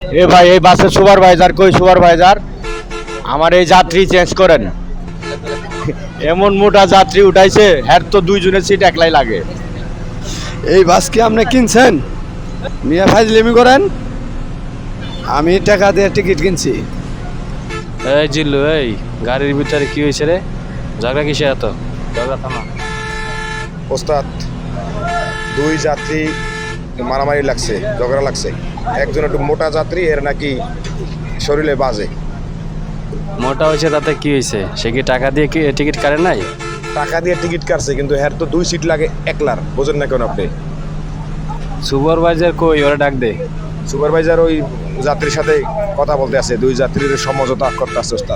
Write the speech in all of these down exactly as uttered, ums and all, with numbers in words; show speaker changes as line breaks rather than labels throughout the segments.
এ ভাই এই বাসের সুপারভাইজার কই সুপারভাইজার আমার এই যাত্রী চেঞ্জ করেন। এমন মোটা যাত্রী উঠাইছে হ্যার তো দুইজনের সিট একলাই লাগে।
এই বাস কি আপনি কিনছেন? মিয়া ফাজলিমি করেন। আমি টাকা দিয়ে টিকিট কিনছি।
এই জিল্লু, এই গাড়ির ভিতরে কি হয়েছে রে? ঝগড়া কিসে এত? ঝগড়া থামা।
ওস্তাদ, দুই যাত্রী মারামারি লাগছে, ঝগড়া লাগছে। একজন একটু মোটা যাত্রী, এর নাকি শরীরে বাজে।
মোটা হয়েছে তাতে কি হয়েছে? সে কি টাকা দিয়ে কি টিকিট কাটে নাই?
টাকা দিয়ে টিকিট কাটছে, কিন্তু এর তো দুই সিট লাগে একলার। বোঝেন না কেন আপনি?
সুপারভাইজার কই, ওরা ডাক দে।
সুপারভাইজার ওই যাত্রীর সাথে কথা বলতে আছে, দুই যাত্রীর সমঝোতা করতে আছে ওস্তাদ।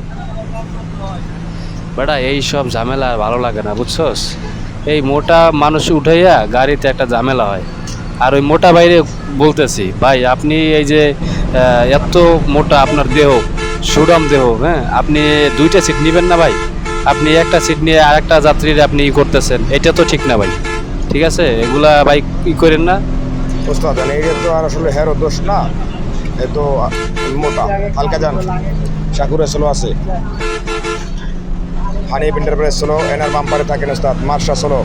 বেটা এই সব ঝামেলা আর ভালো লাগে না, বুঝছস? এই মোটা মানুষ উঠাইয়া গাড়িতে একটা ঝামেলা হয়। আর ওই মোটা বাইরে বলতেছি, ভাই আপনি এই যে আহ, এত মোটা আপনার দেহ, সুডম দেহ, হ্যাঁ, আপনি দুইটা সিট নেবেন না ভাই? আপনি একটা সিট নিয়ে আরেকটা যাত্রীর আপনি ই করতেছেন, এটা তো ঠিক না ভাই। ঠিক আছে, এগুলা ভাই ই করেন না।
ওস্তাদ এই তো আর আসলে হেরো দোষ না, এ তো মোটা হালকা যান। সাকুরে স্লো আছে, হানি এন্টারপ্রাইজ স্লো, এনার বাম্পারে থাকেন ওস্তাদ। মার্শা স্লো,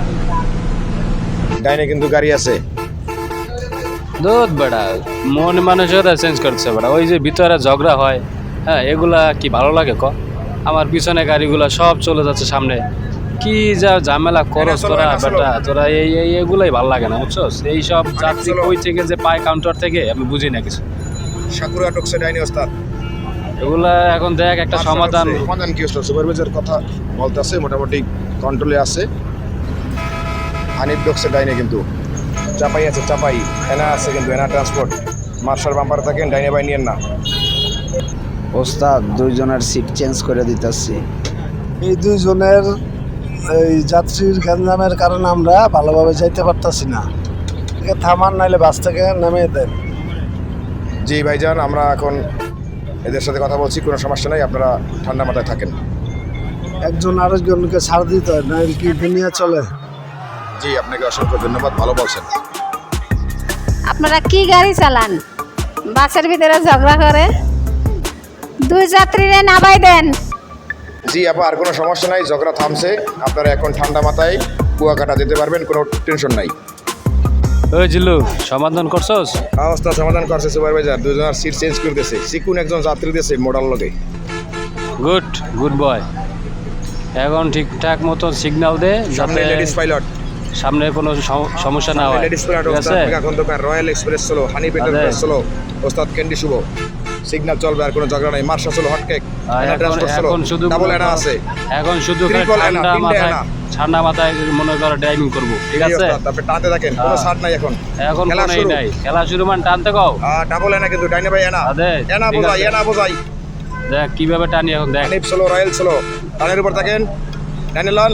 ডাইনে কিন্তু গাড়ি আছে।
দুধ বেড়া মন মানুষেরা চেঞ্জ করছে বেড়া, ওই যে ভিতরে ঝগড়া হয়, হ্যাঁ, এগুলা কি ভালো লাগে ক? আমার পিছনে গাড়িগুলা সব চলে যাচ্ছে সামনে, কি যা ঝামেলা করস তোরা বেটা, তোরা এই এই এগুলাই ভালো লাগে না, বুঝছস? এই সব যাত্রী কই থেকে যে পায় কাউন্টার থেকে আমি বুঝি না কিছু।
সাকুরা টকছে ডাইনে ওস্তাদ।
এগুলা এখন দেখ একটা সমাধান।
সমাধান কি ওস্তাদ? সুপারভাইজার কথা বলতেছে, মোটামুটি কন্ট্রোলে আছে। হানিফ ডকছে ডাইনে, কিন্তু চাপাই আছে, চাপাই এনা আছে, কিন্তু এনা ট্রান্সপোর্ট। মার্শাল বাম্পারে থাকেন, ডাইনে বাই নিয়েন না।
ওস্তাদ দুইজনের সিট চেঞ্জ করে দিতেছি। এই দুইজনের এই যাত্রীর গ্যাঞ্জামের কারণে আমরা ভালোভাবে যাইতে পারতাছি না। থামান, নাইলে বাস থেকে নামিয়ে দেন।
জি ভাইজান, আমরা এখন এদের সাথে কথা বলছি, কোনো সমস্যা নাই, আপনারা ঠান্ডা মাথায় থাকেন।
একজন আরেকজনকে ছাড় দিতে হয়, না কি দুনিয়া চলে?
জি আপনাকে অসংখ্য ধন্যবাদ, ভালো বলছেন।
আপনারা কি গাড়ি চালান? বাসের ভিতরে ঝগড়া করে দুই যাত্রীরে নামাই দেন।
জি আপা, আর কোনো সমস্যা নাই, ঝগড়া থামছে। আপনারা এখন ঠান্ডা মাথায় কুয়াকাটা যেতে পারবেন, কোনো টেনশন নাই।
ওই জিল্লু, সমাধান করছস?
অবস্থা সমাধান করছে সুপারভাইজার, দুজনের সিট চেঞ্জ করে দিয়েছে। সিকুন একজন যাত্রী দিয়েছে মোডাল লগে।
Good good boy. এখন ঠিকঠাক মতো সিগন্যাল দে,
সামনে
যাতে
লেডিস পাইলট,
সামনে কোনো সম- সমস্যা না হয়।
লেডিস পাইলট
ঠিক
ওস্তাদ
আছে?
মেগা খন্দকার, রয়্যাল এক্সপ্রেস চলো, হানি পেটার
আরে।
চলো, ওস্তাদ ক্যান্ডি শুভ। সিগন্যাল চলবে, আর কোনো ঝগড়া নাই। মার্শা চলো, হটকেক,
আর
এনা
এখন
ট্রান্সপোর্ট চলো,
এখন শুধু
ডাবল এনা আছে।
এখন শুধু খালি
Triple এনা,
ঠান্ডা
তিনটে
মাথায়
এনা।
ঠান্ডা মাথায় মনে করো ড্রাইভিং করবো, ঠিক
জি
আছে?
ওস্তাদ, তারপরে টানতে থাকেন, কোনো
হ্যাঁ।
ছাড় নাই এখন।
এখন
খেলা
কোনো ই
শুরু।
নাই, খেলা শুরু মানে টানতে কও।
ডাবল এনা, কিন্তু ডাইনে ভাই এনা,
আদে,
এনা
ঠিক
বোঝাই,
আছে।
এনা বোঝাই।
দেখ কিভাবে টানি এখন, দেখ।
হানিফ চলো, রয়্যাল চলো, টানের উপর থাকেন, ডাইনে লন।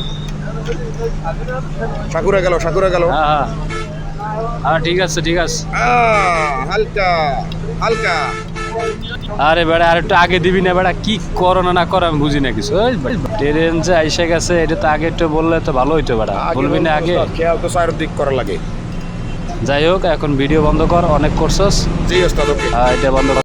সাকুরে গেল, সাকুরে গেল।
হ্যাঁ হ্যাঁ হ্যাঁ, ঠিক আছে ঠিক আছে।
আহ, হালকা হালকা।
আরে বেড়া আর একটু আগে দিবি না বেড়া, কি করো না না করো আমি বুঝি না কিছু। ওই ট্রেন যে আইসে গেছে, এটা তো আগে একটু বললে তো ভালো হইতো বেড়া, বলবি না আগে?
খেয়াল তো চার দিক করা লাগে।
যাই হোক, এখন ভিডিও বন্ধ কর, অনেক করছস।
জি ওস্তাদ, ওকে।
আর এটা বন্ধ কর।